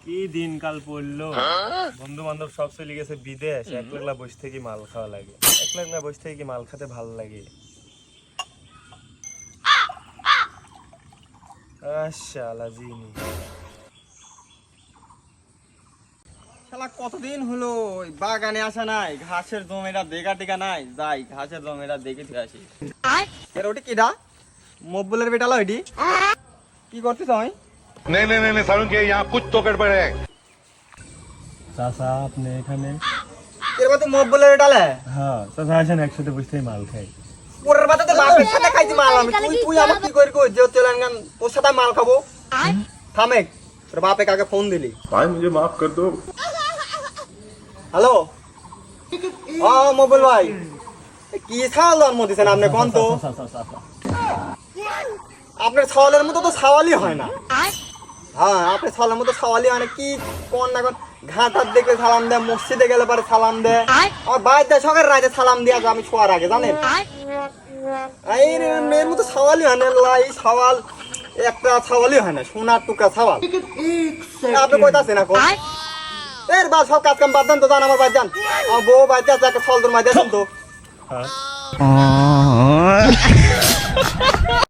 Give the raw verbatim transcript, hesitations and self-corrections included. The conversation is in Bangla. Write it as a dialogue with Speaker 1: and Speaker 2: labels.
Speaker 1: কি দিনকাল পড়লো, বন্ধু বান্ধব সব চলে গেছে বিদেশ, একলা একলা বসে থেকে মাল খাওয়া লাগে। একলা একলা বসে থেকে মাল খেতে ভালো লাগে। শালা জিনি
Speaker 2: শালা কতদিন হলো ওই বাগানে আসা নাই, ঘাসের জমিটা দেখা টেকা নাই, যাই ঘাসের জমিটা দেখে ফিরে আসি। এর ওটি কিডা? মব্বুলের বেটা লইডি কি করছিস তুই?
Speaker 3: नहीं नहीं नहीं सारुण के यहाँ कुछ तो गड़बड़ है।
Speaker 1: চাচা আপনি এখানে?
Speaker 2: এর বাতে মব্বুলের বেটা লে?
Speaker 1: হ্যাঁ চাচা আসেন, একসাথে বসে থেকে মাল খাই।
Speaker 2: ওরের বাতে তো বাপের সাথে খাইছি মাল আমি, তুই তুই আমাকে কি করি কই যে চলেন গান তোর সাথে মাল খাবো? থামেক, তোর বাপে কাকে ফোন দিলি?
Speaker 3: भाई मुझे माफ कर दो।
Speaker 2: হ্যালো, ও মব্বুল ভাই, এ কি ছাওয়াল জন্ম দিছেন আপনি কোন তো? আপনার ছাওয়ালের মতো তো ছাওয়ালই হয় না। হ্যাঁ, আপনার ছাওয়ালের মতো ছাওয়ালই হয় না। কি কোন না কোন ঘাটার দেখলে সালাম দেয়, মসজিদে গেলে পরে সালাম দেয়, আমার বাড়িতে সকাল রাতে সালাম দিয়ে আমি শোয়ার আগে, জানেন? এই মেয়ের মতো ছাওয়ালই হয় না। লাই ছাওয়াল একটা ছাওয়ালই হয় না, সোনার টুকরা ছাওয়াল। আপনি কইতাছেন এখন এর বা সব কাজ কাম বাদ দেন তো, যান আমার বাড়ি যান। আমার বউ বাড়িতে আছে, একটা ফল তোর মাঝে তো।
Speaker 1: হ্যাঁ